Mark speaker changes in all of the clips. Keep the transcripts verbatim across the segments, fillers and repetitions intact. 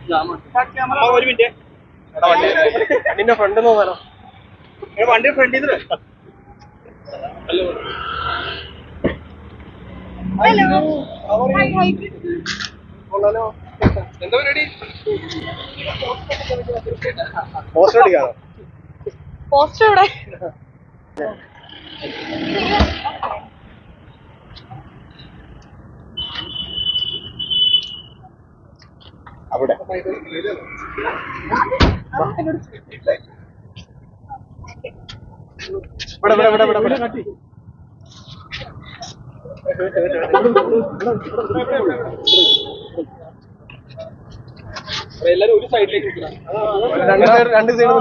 Speaker 1: ഒരു മിനിറ്റ് വണ്ടിന്റെ ഫ്രണ്ട് നോക്കാനോ വണ്ടി ഫ്രണ്ടിൽ എന്താ പരിപാടി പോസ്റ്റർ അടിക്കാനോ
Speaker 2: പോസ്റ്റർ ഇവിടെ
Speaker 1: അവിടെ എല്ലാരും ഒരു സൈഡിലേക്ക് രണ്ട് സൈഡ്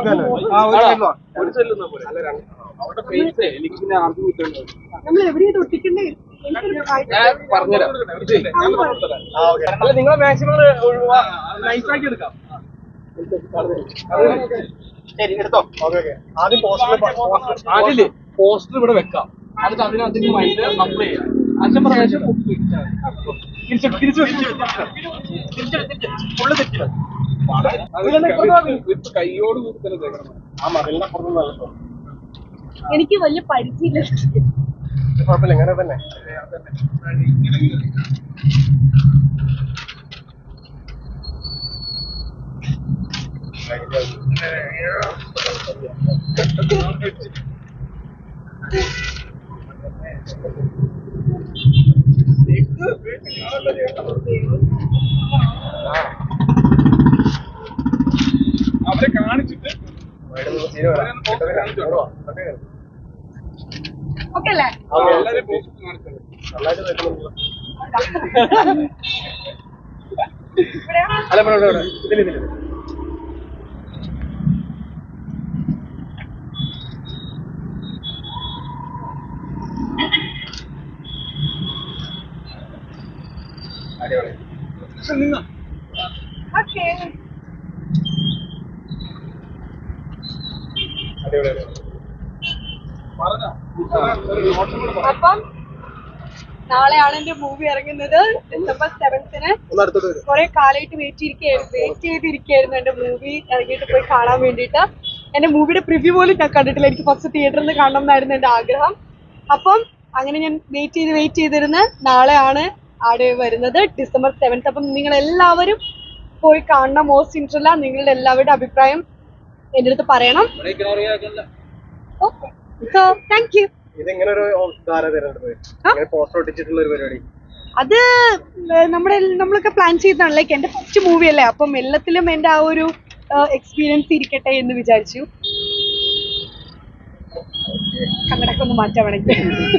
Speaker 1: അവിടെ ഫേസ് എനിക്ക് പിന്നെ ആർക്കും കിട്ടുന്നുണ്ടോ
Speaker 2: നമ്മൾ എവിടെയാ തൊട്ടിക്കണ്ടേ
Speaker 1: പറഞ്ഞുതരാം നിങ്ങളെ മാക്സിമം നൈസാക്കി എടുക്കാം ശരി എടുത്തോ ആദ്യം പോസ്റ്റർ ആദ്യല്ലേ പോസ്റ്റർ ഇവിടെ വെക്കാം എന്നിട്ട് അതിന് അതിന് മൈൻഡ് അപ്ലൈ ചെയ്യാം അച്ഛൻ പ്രാവശ്യം തിരിച്ചു തിരിച്ചു ഫുള്ള് തെറ്റില്ല കൈയോട് കൂടി തന്നെ തേക്കണം ആ മതിലിനെ പുറത്തുനിന്ന്
Speaker 2: എനിക്ക് വലിയ പരിചയമില്ല
Speaker 1: കുഴപ്പമില്ല ഇങ്ങനെ തന്നെ അവരെ കാണിച്ചിട്ട്
Speaker 2: ഓക്കെ അല്ലേ
Speaker 1: അല്ല ഇതിൽ ഇതിൽ അടിപൊളി
Speaker 2: ഓക്കെ
Speaker 1: അടിപൊളി
Speaker 2: അപ്പം നാളെയാണ് എന്റെ മൂവി ഇറങ്ങുന്നത് ഡിസംബർ സെവൻത്തിന് കുറെ കാലമായിട്ട് വെയിറ്റ് ചെയ്തിരിക്കുകയായിരുന്നു വെയിറ്റ് ചെയ്തിരിക്കുകയായിരുന്നു എന്റെ മൂവി ഇറങ്ങിയിട്ട് പോയി കാണാൻ വേണ്ടിയിട്ട് എന്റെ മൂവിയുടെ പ്രിവ്യൂ പോലും ഞാൻ കണ്ടിട്ടില്ല എനിക്ക് ഫസ്റ്റ് തിയേറ്ററിൽ നിന്ന് കാണണം എന്നായിരുന്നു എന്റെ ആഗ്രഹം അപ്പം അങ്ങനെ ഞാൻ വെയിറ്റ് ചെയ്ത് വെയിറ്റ് ചെയ്തിരുന്ന് നാളെയാണ് ആടെ വരുന്നത് ഡിസംബർ സെവൻത്ത് അപ്പം നിങ്ങൾ എല്ലാവരും പോയി കാണണം മോസ്റ്റ് ഇൻട്രല്ല നിങ്ങളുടെ എല്ലാവരുടെ അഭിപ്രായം എൻ്റെ അടുത്ത് പറയണം ഓക്കെ സോ താങ്ക് യു
Speaker 1: ഇതെങ്ങനെ ഒരു പോസ്റ്റർ ഒട്ടിച്ചിട്ടുള്ള ഒരു പരിപാടി
Speaker 2: അത് നമ്മുടെ നമ്മളൊക്കെ പ്ലാൻ ചെയ്തതാണ് ലൈക്ക് എന്റെ ഫസ്റ്റ് മൂവി അല്ലേ അപ്പം എല്ലാത്തിലും എന്റെ ആ ഒരു എക്സ്പീരിയൻസ് ഇരിക്കട്ടെ എന്ന് വിചാരിച്ചു കണ്ണടക്കം ഒന്ന് മാറ്റാൻ വേണമെങ്കിൽ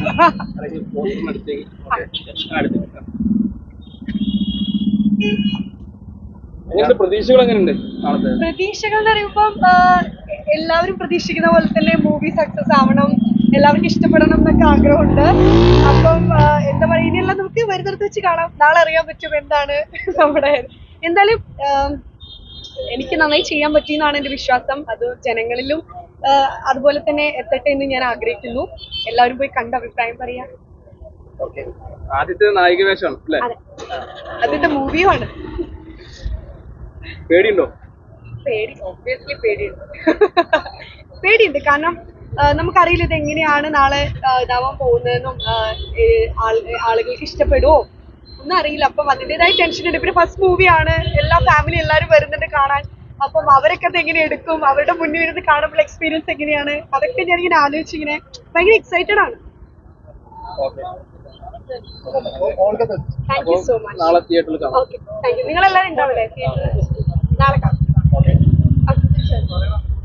Speaker 1: പ്രതീക്ഷകൾ എങ്ങനെയുണ്ട്
Speaker 2: പ്രതീക്ഷകൾ എന്ന് പറയുമ്പം എല്ലാവരും പ്രതീക്ഷിക്കുന്ന പോലെ തന്നെ മൂവി സക്സസ് ആവണം എല്ലാവർക്കും ഇഷ്ടപ്പെടണം എന്നൊക്കെ ആഗ്രഹമുണ്ട് അപ്പം എന്താ പറയുക ഇനിയെല്ലാം നമുക്ക് വരുന്നിടത്ത് വെച്ച് കാണാം നാളെ അറിയാൻ പറ്റും എന്താണ് നമ്മുടെ എന്തായാലും എനിക്ക് നന്നായി ചെയ്യാൻ പറ്റിയെന്നാണ് എൻ്റെ വിശ്വാസം അത് ജനങ്ങളിലും അതുപോലെ തന്നെ എത്തട്ടെ എന്ന് ഞാൻ ആഗ്രഹിക്കുന്നു എല്ലാവരും പോയി കണ്ട അഭിപ്രായം പറയാം
Speaker 1: ആദ്യത്തെ നായിക വേഷമാണ് അല്ലേ
Speaker 2: അതിന്റെ മൂവിയുമാണ്
Speaker 1: പേടിയുണ്ടോ
Speaker 2: പേടി ഒബ്വിയസ്ലി പേടിയുണ്ട് പേടിയുണ്ട് കാരണം നമുക്കറിയില്ല ഇത് എങ്ങനെയാണ് നാളെ ഇതാവാൻ പോകുന്നതെന്നും ആളുകൾക്ക് ഇഷ്ടപ്പെടുമോ ഒന്നും അറിയില്ല അപ്പം അതിൻ്റെതായ ടെൻഷൻ ഉണ്ട് പിന്നെ ഫസ്റ്റ് മൂവിയാണ് എല്ലാ ഫാമിലി എല്ലാവരും വരുന്നുണ്ട് കാണാൻ അപ്പം അവരൊക്കെ അത് എങ്ങനെ എടുക്കും അവരുടെ മുന്നിൽ ഇരുന്ന് കാണുമ്പോൾ എക്സ്പീരിയൻസ് എങ്ങനെയാണ് അതൊക്കെ ഞാനിങ്ങനെ ആലോചിച്ച് ഇങ്ങനെ ഭയങ്കര എക്സൈറ്റഡ് ആണ് താങ്ക് യു സോ മച്ച്
Speaker 1: നാളെ തിയേറ്ററിൽ കാണാം
Speaker 2: ഓക്കെ താങ്ക് യു നിങ്ങളെല്ലാവരും ഉണ്ടാവില്ലേ തിയേറ്ററിൽ നാളെ കാണാം ഓക്കെ